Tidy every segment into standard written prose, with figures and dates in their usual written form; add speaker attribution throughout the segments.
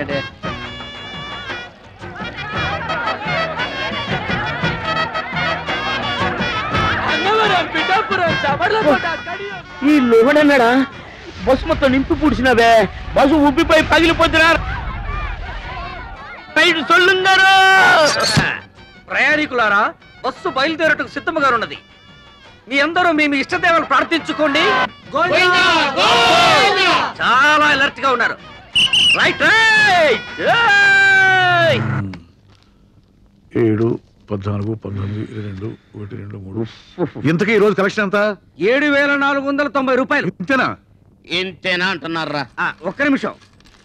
Speaker 1: అయిపోయాయండి. ఈ లోహడన్నాడా బస్సు మొత్తం నింపి పూడ్చినవే, బస్సు ఉబ్బిపోయి పగిలిపోతున్నారు. ప్రయాణికులారా, బస్సు బయలుదేరటకు సిద్ధముగా ఉన్నది. మీ అందరూ మీ ఇష్టదేవలు ప్రార్థించుకోండి. చాలా అలర్ట్ గా ఉన్నారు. Right right.
Speaker 2: 7, 14, 19, 22, 1, 2, 3. ఇంతకీ ఈ రోజు కలెక్షన్ ఎంత?
Speaker 1: 7,490 రూపాయలు.
Speaker 2: ఇంతేనా?
Speaker 3: ఇంతేనా అంటున్నారా?
Speaker 1: ఒక్క నిమిషం.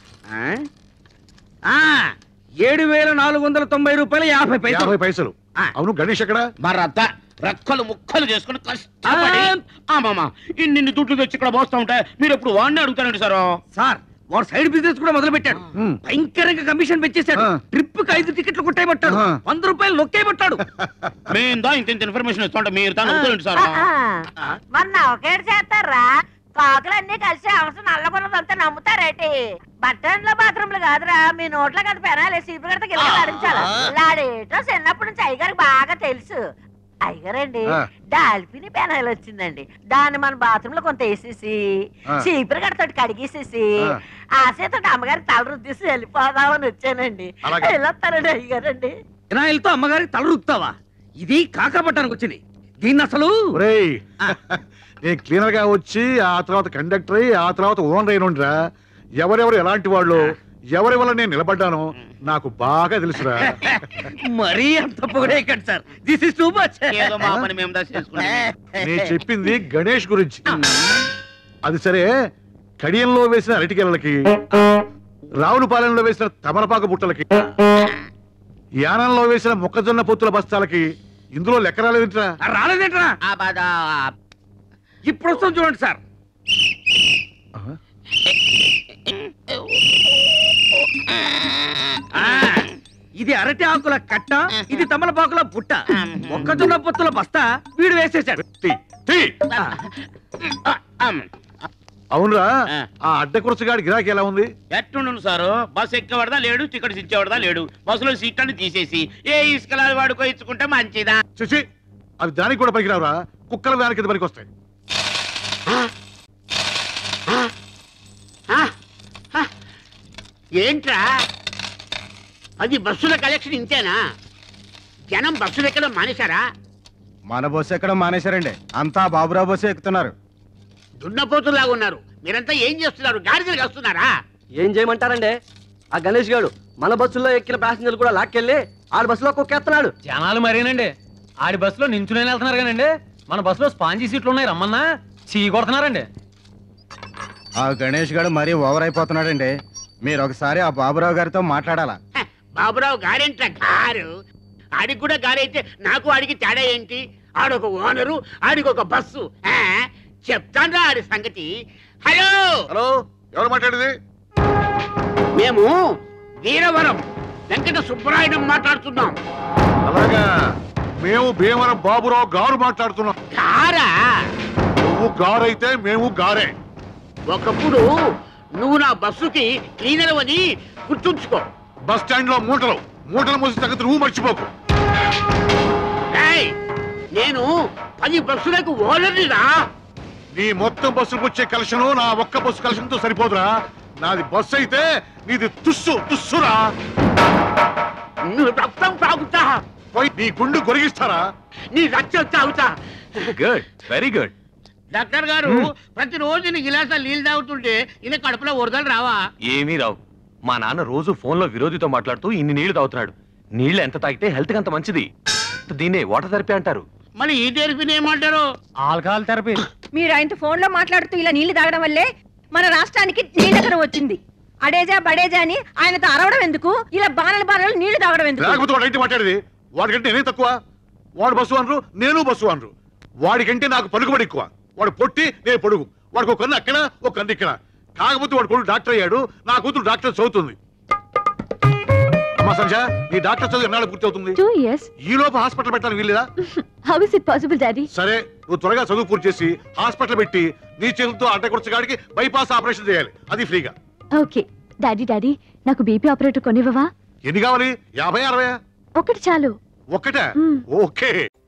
Speaker 1: 7,490 రూపాయలు 50
Speaker 2: పైసలు. అవును, గణేష్ ఎక్కడ?
Speaker 3: మరత రెక్కలు ముక్కలు చేసుకుని కష్టపడి ఇన్ని దుడ్లు తెచ్చి ఇక్కడ పోస్తా ఉంటే మీరు ఎప్పుడు వాడిని అడుగుతారండి
Speaker 1: సార్. వాడు సైడ్ బిజినెస్ కూడా మొదలు పెట్టాడు. భయంకరంగా కమిషన్ పెంచేశాడు. ట్రిప్ కి 5 టికెట్లు కొట్టేయబట్టాడు. 100 రూపాయలు నొక్కేయబట్టాడు.
Speaker 3: మేము ఇంత ఇన్ఫర్మేషన్ ఇస్తుంటే మీరు తాను సార్.
Speaker 4: మన ఒకేడు చేస్తారా? కాకులన్నీ కలిసి అవసరం నల్లబున్నదంతా నమ్ముతారేటి? బట్టన్లో బాత్రూమ్లు కాదురా, మీ నోట్లో కదా పెనాలి. సీపు గడత గిల్ల ఆడించాలి. లాడేటో చిన్నప్పటి నుంచి అయ్యగారికి బాగా తెలుసు. అయ్యగారండి, డాల్ఫిని పెనాయిల్ వచ్చిందండి. దాన్ని మన బాత్రూమ్ లో కొంత వేసేసి చీపురు గడతోటి కడిగేసేసి ఆశతో అమ్మగారి తల రుద్దేసి వెళ్ళిపోదామని వచ్చానండి. వెళ్ళొస్తానండి అయ్యగారండి.
Speaker 1: వినాయలతో అమ్మగారికి తల రుద్దుతావా? ఇది కాకపట్టానికి వచ్చింది. దీన్ని అసలు
Speaker 2: నేను క్లీనర్ గా వచ్చి ఆ తర్వాత కండక్టర్ అయ్యి ఆ తర్వాత ఓనర్ అయినరా. ఎవరెవరు ఎలాంటి వాళ్ళు, ఎవరి వల్ల నేను నిలబడ్డానో నాకు బాగా తెలుసురా.
Speaker 1: మరీ అంత పొగడే కదా sir. This is too much.
Speaker 2: నేను చెప్పింది గణేష్ గురించి. అది సరే, కడియంలో వేసిన అరటికెళ్ళకి, రావులపాలెంలో వేసిన తమలపాకు బుట్టలకి, యానంలో వేసిన మొక్కజొన్న పొత్తుల బస్తాలకి ఇందులో లెక్క రాలేదేంట్రా?
Speaker 1: రాలేదేంట్రా? ఇప్పుడు వస్తాం చూడండి సార్. ఇది అరటి ఆకుల కట్ట, ఇది తమలపాకుల బుట్ట, మొక్కజొన్న పొత్తుల బస్తా వీడు వేసేసాడు.
Speaker 2: అవునరా, ఆ అడ్డకురసగాడి గిరాకీ ఎలా ఉంది?
Speaker 3: ఎట్టుండు సారు? బస్ ఎక్కేవాడదా లేడు, టికెట్స్ ఇచ్చేవాడదా లేడు. బస్సులో సీట్లను తీసేసి ఏ ఇసుకలా వాడుకో ఇచ్చుకుంటే మంచిదా?
Speaker 2: చూసి అవి దానికి కూడా పనికిరావురా. కుక్కల వ్యాన్ కింద పనికి వస్తాయి.
Speaker 3: ఏంట్రా అది? బస్సుల కలెక్షన్ ఇంతేనా? జనం బస్సులు ఎక్కడం మానేశారా?
Speaker 5: మన బస్సు ఎక్కడం మానేశారండి. అంతా బాబురావు బస్సు ఎక్కుతున్నారు.
Speaker 3: దున్నపోతులాగా ఉన్నారు. మీరంతా ఏం చేస్తున్నారు? గాడిదలు వస్తున్నారా?
Speaker 1: ఏం చేయమంటారండి? ఆ గణేష్ గారు మన బస్సులో ఎక్కిన ప్యాసింజర్లు కూడా లాక్కెళ్ళి ఆడి బస్సులో కుక్కేస్తున్నాడు.
Speaker 6: జనాలు మరేనండి. ఆడి బస్సులో నించునే వెళ్తున్నారు కానండి, మన బస్సులో స్పాంజీ సీట్లు ఉన్నాయి, రమ్మన్నా చీ కొడుతున్నారండి.
Speaker 5: ఆ గణేష్ గారు మరీ ఓవర్ అయిపోతున్నాడండి. మీరు ఒకసారి ఆ బాబురావు గారితో మాట్లాడాలా?
Speaker 3: బాబురావు గారేంట గారు? ఆడికి కూడా గారైతే నాకు ఆడికి తేడా ఏంటి? ఆడొక ఓనరు, ఆడికి ఒక బస్సు. చెప్తాను ఆడి సంగతి. హలో
Speaker 2: హలో, ఎవరు మాట్లాడేది?
Speaker 3: మేము వీరవరం వెంకట సుబ్బరాయుడు మాట్లాడుతున్నాం.
Speaker 2: అలాగా, మేము భీమవరం బాబురావు గారు మాట్లాడుతున్నాం.
Speaker 3: గారా?
Speaker 2: నువ్వు గారైతే మేము గారే.
Speaker 3: ఒకప్పుడు నువ్వు నా బస్సుకి క్లీనర్ అని గుర్తుంచుకో.
Speaker 2: బస్ స్టాండ్ లో మూటలు మోసి తగ్గ నువ్వు మర్చిపోకు.
Speaker 3: నేను 10 బస్సులకు ఓనర్నిరా.
Speaker 2: నీ మొత్తం బస్సులకు వచ్చే కలెక్షన్ నా ఒక్క బస్సు కలెక్షన్ తో సరిపోదురా. నాది బస్సు అయితే నీది తుస్సురా.
Speaker 3: నువ్వు రక్తం తాగుతా,
Speaker 2: పోయి నీ గుండు గొరిగిస్తారా?
Speaker 3: నీ రక్తం తాగుతా.
Speaker 6: Good, very good.
Speaker 3: డాక్టర్ గారు, ప్రతిరోజు నీ గిలాసా నీళ్ళు తాగుతుంటే ఈయన కడుపులో వరదలు రావా?
Speaker 6: ఏమీ రావు. మా నాన్న రోజు ఫోన్ లో విరోధితో మాట్లాడుతూ ఇన్ని నీళ్లు తాగుతున్నాడు. నీళ్లు ఎంత తాగితే హెల్త్ కి అంత మంచిది. దీన్నే వాటర్ థెరపీ అంటారు.
Speaker 3: మరి ఈ థెరపీని ఏమంటారు?
Speaker 6: Alcohol therapy.
Speaker 4: మీరు ఆయనతో ఫోన్ లో మాట్లాడుతూ ఇలా నీళ్లు తాగడం వల్లే మన రాష్ట్రానికి నీళ్ళకరం వచ్చింది. అడేజా బడేజా అని ఆయనతో అరవడం ఎందుకు? ఇలా బాణలు నీళ్లు తాగడం ఎందుకు?
Speaker 2: లేకపోతే వాడు ఏంటి మాట్లాడేది? వాడికంటే నేనే తక్కువ. వాడు బస్సు అనరు, నేను బస్సు అనరు. వాడికంటే నాకు పలుకుబడి ఎక్కువ. వాడు పొట్టి, నేను పొడుగు. వాడికి ఒక కన్ను అక్కడ, ఒక కన్ను ఇక్కడ. కాకపోతే వాడు కొడుకు డాక్టర్ అయ్యాడు, నా కూతురు డాక్టర్ చదువుతుంది. అమ్మా సంజ, నీ డాక్టర్ చదువు ఎన్నాళ్ళు పూర్తి అవుతుంది?
Speaker 7: 2 years.
Speaker 2: ఈ లోపు హాస్పిటల్ పెట్టాలని వీల్లేదా?
Speaker 7: How is it possible, Daddy?
Speaker 2: సరే, నువ్వు త్వరగా చదువు పూర్తి చేసి హాస్పిటల్ పెట్టి నీ చేతులతో అడ్డకొరచగాడికి బైపాస్ ఆపరేషన్ చేయాలి. అది ఫ్రీగా.
Speaker 7: Okay. Daddy, నాకు బీపీ ఆపరేటర్ కొనివ్వవా?
Speaker 2: ఎన్ని కావాలి? 50, 60?
Speaker 7: ఒకటి చాలు.
Speaker 2: ఒక్కటే?
Speaker 7: మ్.
Speaker 2: ఓకే.